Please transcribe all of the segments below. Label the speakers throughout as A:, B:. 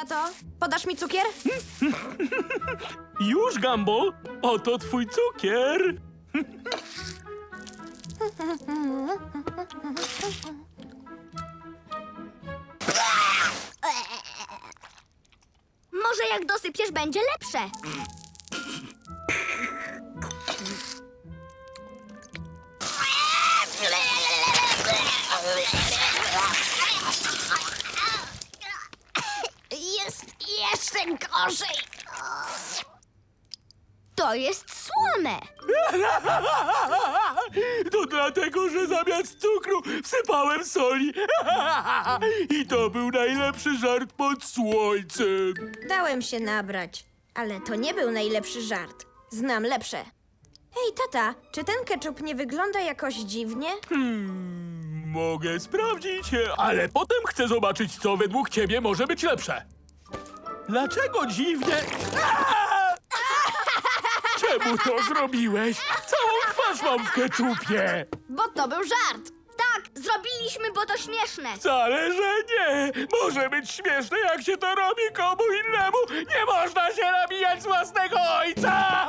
A: tato. Podasz mi cukier?
B: Już, Gumball, oto twój cukier.
C: Może jak dosypiesz, będzie lepsze. Jest jeszcze gorzej. To jest słone.
B: To dlatego, że zamiast cukru wsypałem soli. I to był najlepszy żart pod słońcem.
A: Dałem się nabrać, ale to nie był najlepszy żart. Znam lepsze. Hej, tata, czy ten ketchup nie wygląda jakoś dziwnie?
B: Mogę sprawdzić, ale potem chcę zobaczyć, co według ciebie może być lepsze. Dlaczego dziwnie... Czemu to zrobiłeś? Całą twarz mam w keczupie.
C: Bo to był żart. Tak, zrobiliśmy, bo to śmieszne.
B: Wcale, że nie. Może być śmieszne, jak się to robi komu innemu. Nie można się nabijać z własnego ojca.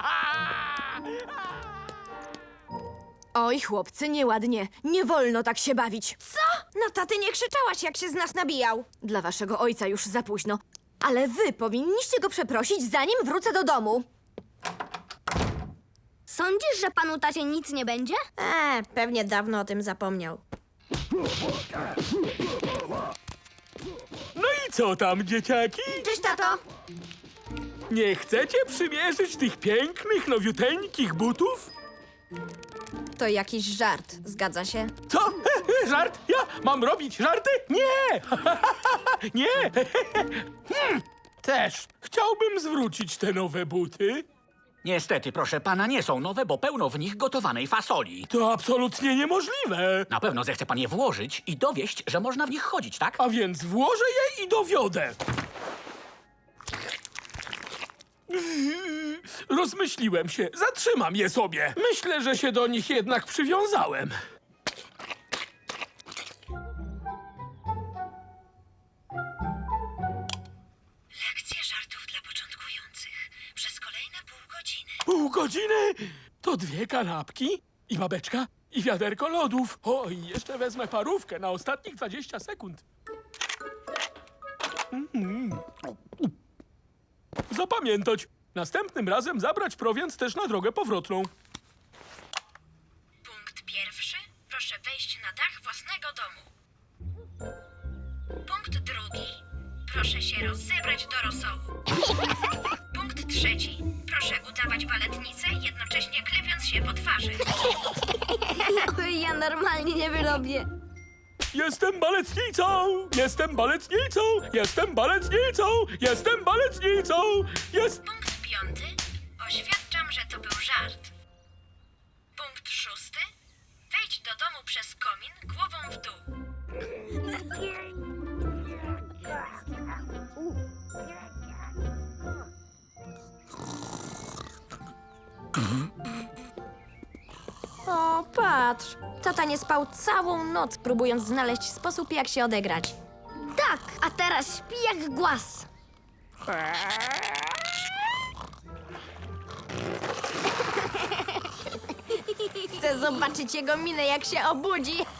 D: Oj, chłopcy, nieładnie. Nie wolno tak się bawić.
A: Co? Na tatę nie krzyczałaś, jak się z nas nabijał.
D: Dla waszego ojca już za późno. Ale wy powinniście go przeprosić, zanim wrócę do domu.
C: Sądzisz, że panu tacie nic nie będzie?
A: Pewnie dawno o tym zapomniał.
B: No i co tam, dzieciaki?
A: Cześć, tato.
B: Nie chcecie przymierzyć tych pięknych, nowiuteńkich butów?
A: To jakiś żart, zgadza się?
B: Co? Żart? Ja mam robić żarty? Nie! Nie! Też. Chciałbym zwrócić te nowe buty.
E: Niestety, proszę pana, nie są nowe, bo pełno w nich gotowanej fasoli.
B: To absolutnie niemożliwe.
E: Na pewno zechce pan je włożyć i dowieść, że można w nich chodzić, tak?
B: A więc włożę je i dowiodę. Rozmyśliłem się. Zatrzymam je sobie. Myślę, że się do nich jednak przywiązałem.
F: Lekcje żartów dla początkujących przez kolejne pół godziny.
B: Pół godziny? To 2 kanapki i babeczka i wiaderko lodów. O, i jeszcze wezmę parówkę na ostatnich 20 sekund. Zapamiętać. Następnym razem zabrać prowiant też na drogę powrotną.
F: Punkt pierwszy. Proszę wejść na dach własnego domu. Punkt drugi. Proszę się rozebrać do rosołu. Punkt trzeci. Proszę udawać baletnicę, jednocześnie klepiąc się po twarzy.
C: Ja normalnie nie wyrobię.
B: Jestem baletnicą! Jestem baletnicą! Jestem baletnicą! Jestem baletnicą!
F: Punkt piąty. Oświadczam, że to był żart. Punkt szósty. Wejdź do domu przez komin głową w dół.
A: O, patrz. Tata nie spał całą noc, próbując znaleźć sposób, jak się odegrać.
C: Tak, a teraz śpi jak głaz.
A: Chcę zobaczyć jego minę, jak się obudzi.